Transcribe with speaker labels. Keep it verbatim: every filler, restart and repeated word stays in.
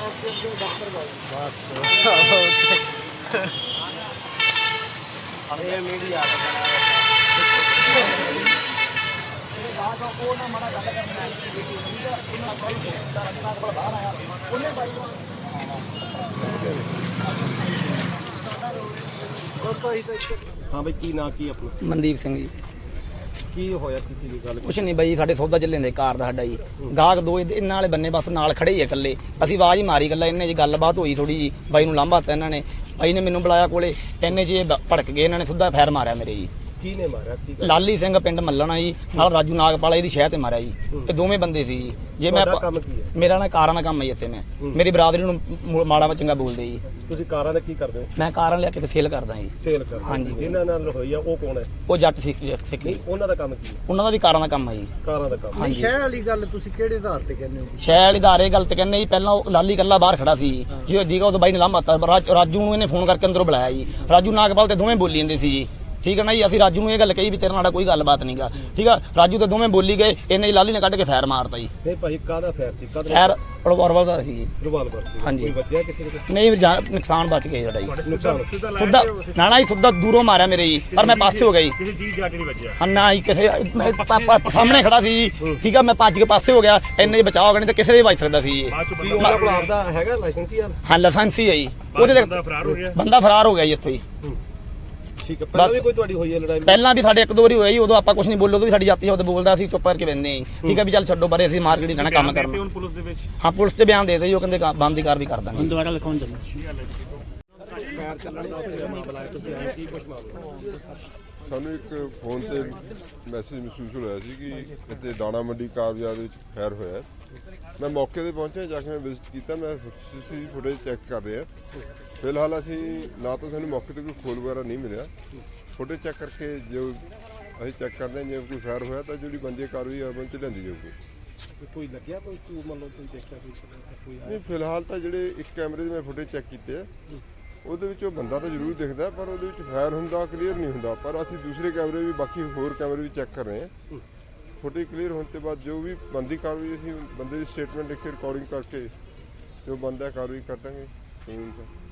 Speaker 1: हाँ भाई की ना की अपना
Speaker 2: मनदीप सिंह जी
Speaker 1: की होया किसी की गल
Speaker 2: कुछ नहीं बई साडे सौदा ਚੱਲੇ ਨੇ ਕਾਰ ਦਾ ਸਾਡਾ ਜੀ ਗਾਹਕ ਦੋ ਇਹਨਾਂ ਵਾਲੇ ਬੰਨੇ ਬਸ ਨਾਲ ਖੜੇ ਹੀ ਆ ਇਕੱਲੇ ਅਸੀਂ ਆਵਾਜ਼ ਹੀ ਮਾਰੀ ਇਕੱਲਾ ਇਹਨੇ ਜੀ ਗੱਲਬਾਤ ਹੋਈ ਥੋੜੀ ਜੀ ਬਾਈ ਨੂੰ ਲਾਂਭਾ ਤਾ ਇਹਨਾਂ ਨੇ ਬਾਈ ਨੇ ਮੈਨੂੰ ਬੁਲਾਇਆ ਕੋਲੇ ਇਹਨੇ ਜੀ ਭੜਕ ਗਏ ਇਹਨਾਂ ਨੇ ਸਿੱਧਾ ਫੈਰ ਮਾਰਿਆ ਮੇਰੇ ਜੀ
Speaker 1: की ने मारा की
Speaker 2: ਲਾਲੀ ਸਿੰਘ ਪਿੰਡ ਮੱਲਣਾ ਜੀ ਨਾਲ ਰਾਜੂ ਨਾਗਪਾਲਾ ਇਹਦੀ ਸ਼ਹਿ ਤੇ ਮਾਰਿਆ ਜੀ ਇਹ ਦੋਵੇਂ ਬੰਦੇ ਸੀ ਜੀ ਜੇ ਮੈਂ
Speaker 1: ਕੰਮ ਕੀ ਹੈ
Speaker 2: ਮੇਰਾ ਨਾ ਕਾਰਾਂ ਦਾ ਕੰਮ ਹੈ ਇੱਥੇ ਮੈਂ ਮੇਰੀ ਬਰਾਦਰੀ ਨੂੰ ਮਾੜਾ ਚੰਗਾ ਬੋਲਦੇ ਜੀ
Speaker 1: ਤੁਸੀਂ ਕਾਰਾਂ ਦਾ ਕੀ ਕਰਦੇ ਹੋ
Speaker 2: ਮੈਂ ਕਾਰਾਂ ਲਿਆ ਕੇ ਤੇ ਸੇਲ ਕਰਦਾ ਜੀ
Speaker 1: ਸੇਲ ਕਰਦੇ
Speaker 2: ਹਾਂਜੀ
Speaker 1: ਜਿਨ੍ਹਾਂ ਨਾਲ ਹੋਈ ਆ ਉਹ ਕੌਣ ਹੈ
Speaker 2: ਉਹ ਜੱਟ ਸਿੱਖ ਸਿੱਖੀ
Speaker 1: ਉਹਨਾਂ ਦਾ ਕੰਮ ਕੀ ਹੈ
Speaker 2: ਉਹਨਾਂ ਦਾ ਵੀ ਕਾਰਾਂ ਦਾ ਕੰਮ ਹੈ ਜੀ
Speaker 1: ਕਾਰਾਂ ਦਾ ਕੰਮ
Speaker 2: ਹਾਂਜੀ
Speaker 3: ਸ਼ਹਿਰ ਵਾਲੀ ਗੱਲ ਤੁਸੀਂ ਕਿਹੜੇ ਆਧਾਰ ਤੇ ਕਹਿੰਦੇ ਹੋ
Speaker 2: ਸ਼ੈਲ ਇਦਾਰੇ ਗੱਲ ਤੇ ਕਹਿੰਦੇ ਜੀ ਪਹਿਲਾਂ ਉਹ ਲਾਲੀ ਕੱਲਾ ਬਾਹਰ ਖੜਾ ਸੀ ਜੀ ਜੀਗਾ ਉਹ ਬਾਈ ਨੇ ਲਾਂਭਾ ਤਾ ਰਾਜੂ ਨੂੰ ਇਹਨੇ ਫੋਨ ਕਰਕੇ ਅੰਦਰੋਂ ਬੁਲਾਇਆ ਜੀ ਰਾਜੂ ਨਾਗਪਾਲ ਤੇ ਦੋਵੇਂ ਬੋਲੀ ਜਾਂਦੇ ਸੀ ਜੀ ਠੀਕ ਹੈ ਨਾ ਜੀ ਅਸੀਂ ਰਾਜੂ ਨੂੰ ਇਹ ਗੱਲ ਕਹੀ ਵੀ ਤੇਰੇ ਨਾਲ ਕੋਈ ਗੱਲਬਾਤ ਨਹੀਂਗਾ ਠੀਕ ਆ ਰਾਜੂ ਤੇ ਦੋਵੇਂ ਬੋਲੀ ਗਏ ਇਹਨੇ ਲਾਲੀ ਨੇ ਕੱਢ ਕੇ ਫੈਰ ਮਾਰਤਾ ਜੀ
Speaker 1: ਨਹੀਂ ਭਾਈ ਕਾਹਦਾ ਫੈਰ ਸੀ ਕਾਹਦਾ
Speaker 2: ਫੈਰ ਰਿਵਾਲਵਰ ਦਾ ਸੀ ਜੀ
Speaker 1: ਰਿਵਾਲਵਰ ਸੀ
Speaker 2: ਹਾਂਜੀ।
Speaker 1: ਕੋਈ ਵੱਜਿਆ ਕਿਸੇ ਦੇ
Speaker 2: ਨਹੀਂ ਜਾ- ਨੁਕਸਾਨ ਬਚ ਗਿਆ ਸਾਡਾ ਜੀ
Speaker 1: ਨੁਕਸਾਨ
Speaker 2: ਸਿੱਧਾ ਨਾ ਨਾ ਜੀ ਸਿੱਧਾ ਦੂਰੋਂ ਮਾਰਿਆ ਮੇਰੇ ਜੀ ਪਰ ਮੈਂ ਪਾਸੇ ਹੋ ਗਿਆ ਜੀ
Speaker 4: ਕਿਸੇ ਚੀਜ਼ ਜਾ ਕੇ ਨਹੀਂ ਵੱਜਿਆ
Speaker 2: ਹਾਂ ਨਾ ਜੀ ਕਿਸੇ ਮੈਂ ਪ- ਪ- ਸਾਹਮਣੇ ਖੜਾ ਸੀ ਜੀ ਠੀਕ ਆ ਮੈਂ ਭੱਜ ਕੇ ਪਾਸੇ ਹੋ ਗਿਆ ਇੰਨੇ ਬਚਾਅ ਹੋ ਗਏ ਨਹੀਂ ਤੇ ਕਿਸੇ ਦੇ ਵੀ ਵੱਜ ਸਕਦਾ ਸੀ ਜੀ
Speaker 4: ਬਾਅਦ ਚ
Speaker 1: ਕੀ
Speaker 4: ਬੰਦਾ
Speaker 1: ਉਹਨਾਂ ਕੋਲ ਆਪਦਾ ਹੈਗਾ ਲਾਇਸੈਂਸ ਯਾਰ
Speaker 2: ਹਾਂ ਲਾਇਸੈਂਸ ਹੀ ਹੈ ਜੀ ਉਹਦੇ ਤੇ
Speaker 4: ਬੰਦਾ ਫਰਾਰ ਹੋ ਗਿਆ
Speaker 2: ਬੰਦਾ ਫਰਾਰ ਹੋ ਗਿਆ ਜੀ ਇੱਥੋਂ ਹੀ
Speaker 1: ਠੀਕ ਹੈ ਪਹਿਲਾਂ ਵੀ ਕੋਈ ਤੁਹਾਡੀ ਹੋਈ ਹੈ ਲੜਾਈ
Speaker 2: ਪਹਿਲਾਂ ਵੀ ਸਾਡੇ ਇੱਕ ਦੋ ਵਾਰੀ ਹੋਇਆ ਜੀ ਉਦੋਂ ਆਪਾਂ ਕੁਝ ਨਹੀਂ ਬੋਲੇ ਉਦੋਂ ਵੀ ਸਾਡੀ ਜਾਤੀ ਉਹ ਬੋਲਦਾ ਸੀ ਚੁੱਪ ਕਰਕੇ ਬੈਠਨੇ ਜੀ ਠੀਕ ਹੈ ਵੀ ਚੱਲ ਛੱਡੋ ਬਾਰੇ ਅਸੀਂ ਮਾਰਕੀਟ ਹੀ ਜਾਣਾ ਕੰਮ
Speaker 4: ਤੇ
Speaker 2: ਕਰਨਾ
Speaker 4: ਹੁਣ ਪੁਲਿਸ ਦੇ ਵਿੱਚ
Speaker 2: ਹਾਂ ਪੁਲਿਸ ਤੇ ਬਿਆਨ ਦੇ ਦੇ ਜੀ ਉਹ ਕਹਿੰਦੇ ਬੰਦ ਦੀ ਕਾਰਵਾਈ ਕਰ ਦਾਂਗੇ
Speaker 3: ਦੁਬਾਰਾ ਲਿਖਾਉਣ ਚੱਲੋ
Speaker 1: ਫੈਰ ਚੱਲਣ ਦਾ ਉੱਥੇ ਮਾਮਲਾ ਹੈ ਤੁਸੀਂ ਆਏ ਕੀ ਕੁਝ ਮਾਮਲਾ
Speaker 5: ਸਾਨੂੰ ਇੱਕ ਫੋਨ ਤੇ ਮੈਸੇਜ ਮਹਿਸੂਸ ਹੋਇਆ ਸੀ ਕਿ ਇੱਥੇ ਦਾਣਾ ਮੰਡੀ ਕਾਰ ਬਾਜ਼ਾਰ ਵਿੱਚ ਫਾਇਰ ਹੋਇਆ। ਮੈਂ ਮੌਕੇ ਤੇ ਪਹੁੰਚਿਆ, ਜਾ ਕੇ ਮੈਂ ਵਿਜ਼ਿਟ ਕੀਤਾ, ਮੈਂ ਸੀਸੀਟੀਵੀ ਫੁਟੇਜ ਚੈੱਕ ਕਰ ਰਿਹਾ। ਫਿਲਹਾਲ ਅਸੀਂ ਨਾ ਤਾਂ ਸਾਨੂੰ ਮੌਕੇ ਤੇ ਕੋਈ ਖੋਲ ਵਗੈਰਾ ਨਹੀਂ ਮਿਲਿਆ, ਫੁਟੇਜ ਚੈੱਕ ਕਰਕੇ ਜੋ ਅਸੀਂ ਚੈੱਕ ਕਰਦੇ ਹਾਂ ਜੇ ਕੋਈ ਫਾਇਰ ਹੋਇਆ ਤਾਂ ਜਿਹੜੀ ਬੰਦੀ ਕਾਰਵਾਈ ਅਮਲ 'ਚ ਲਿਆਂਦੀ ਜਾਊਗੀ।
Speaker 1: ਕੋਈ ਲੱਗਿਆ ਕੋਈ ਤੂੰ ਮੰਨ ਲਓ ਕੋਈ ਦੇਖਿਆ ਕੋਈ
Speaker 5: ਨਹੀਂ, ਫਿਲਹਾਲ ਤਾਂ ਜਿਹੜੇ ਇੱਕ ਕੈਮਰੇ ਦੇ ਮੈਂ ਫੁਟੇਜ ਚੈੱਕ ਕੀਤੇ ਆ ਉਹਦੇ ਵਿੱਚ ਉਹ ਬੰਦਾ ਤਾਂ ਜ਼ਰੂਰ ਦਿਖਦਾ, ਪਰ ਉਹਦੇ ਵਿੱਚ ਫਾਇਰ ਹੁੰਦਾ ਕਲੀਅਰ ਨਹੀਂ ਹੁੰਦਾ। ਪਰ ਅਸੀਂ ਦੂਸਰੇ ਕੈਮਰੇ ਵੀ ਬਾਕੀ ਹੋਰ ਕੈਮਰੇ ਵੀ ਚੈੱਕ ਕਰ ਰਹੇ ਹਾਂ। ਫੁਟੇਜ ਕਲੀਅਰ ਹੋਣ ਤੋਂ ਬਾਅਦ ਜੋ ਵੀ ਬੰਦੀ ਕਾਰਵਾਈ ਅਸੀਂ ਬੰਦੇ ਦੀ ਸਟੇਟਮੈਂਟ ਲਿਖ ਕੇ ਰਿਕਾਰਡਿੰਗ ਕਰਕੇ ਜੋ ਬੰਦਾ ਕਾਰਵਾਈ ਕਰ ਦਾਂਗੇ।